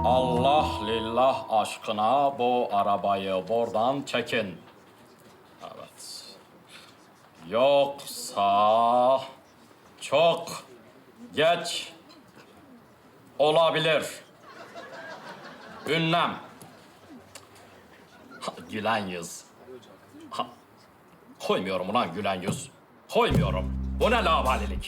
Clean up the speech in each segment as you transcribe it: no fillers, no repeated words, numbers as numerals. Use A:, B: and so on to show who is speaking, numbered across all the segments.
A: Allah lillah aşkına bu arabayı buradan çekin. Evet. Yoksa çok geç olabilir. Ünlem. Gülen yüz. Koymuyorum ulan gülen yüz. Koymuyorum. Bu ne laubalilik?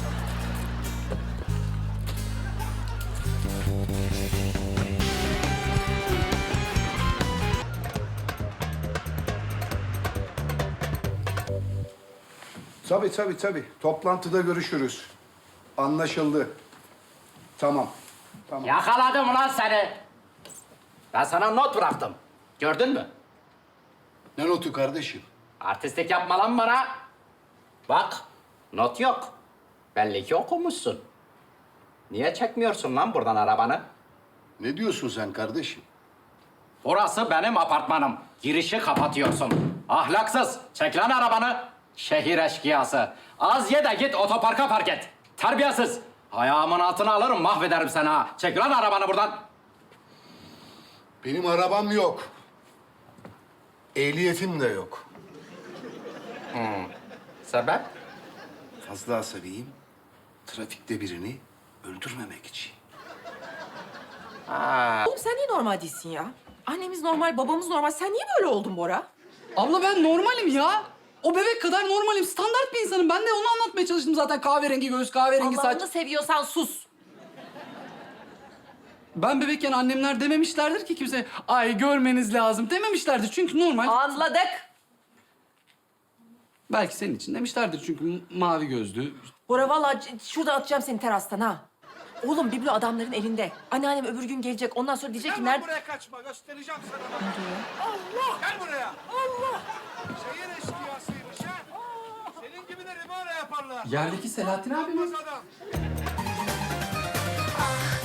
B: Tabii. Toplantıda görüşürüz. Anlaşıldı. Tamam.
A: Yakaladım ulan seni. Ben sana not bıraktım. Gördün mü?
B: Ne notu kardeşim?
A: Artistlik yapma lan bana. Bak, not yok. Belli ki okumuşsun. Niye çekmiyorsun lan buradan arabanı?
B: Ne diyorsun sen kardeşim?
A: Burası benim apartmanım. Girişi kapatıyorsun. Ahlaksız. Çek lan arabanı. Şehir eşkıyası. Az ye de git otoparka park et. Terbiyesiz. Ayağımın altına alırım mahvederim seni ha. Çek lan arabanı buradan.
B: Benim arabam yok. Ehliyetim de yok.
A: Sebep?
B: Fazla asabiyim. Trafikte birini öldürmemek için.
C: Oğlum sen niye normal değilsin ya? Annemiz normal, babamız normal. Sen niye böyle oldun Bora?
D: Abla ben normalim ya. O bebek kadar normalim. Standart bir insanım. Ben de onu anlatmaya çalıştım zaten. Kahverengi göğüs, kahverengi saç.
C: Allah'ını seviyorsan sus.
D: Ben bebekken annemler dememişlerdir ki kimse ay görmeniz lazım dememişlerdir. Çünkü normal.
C: Anladık.
D: Belki senin için demişlerdir çünkü mavi gözlü.
C: Bora vallahi şurada atacağım seni terastan ha. Oğlum biblo adamların elinde. Anneannem öbür gün gelecek. Ondan sonra diyecek ki
E: Gel lan
C: nerede...
E: buraya kaçma, göstereceğim sana. Allah! Gel buraya. Allah! Şehir eşkıyasıymış ha. Senin gibileri böyle yaparlar.
D: Yerdeki Selahattin abi mi?
E: Olmaz adam.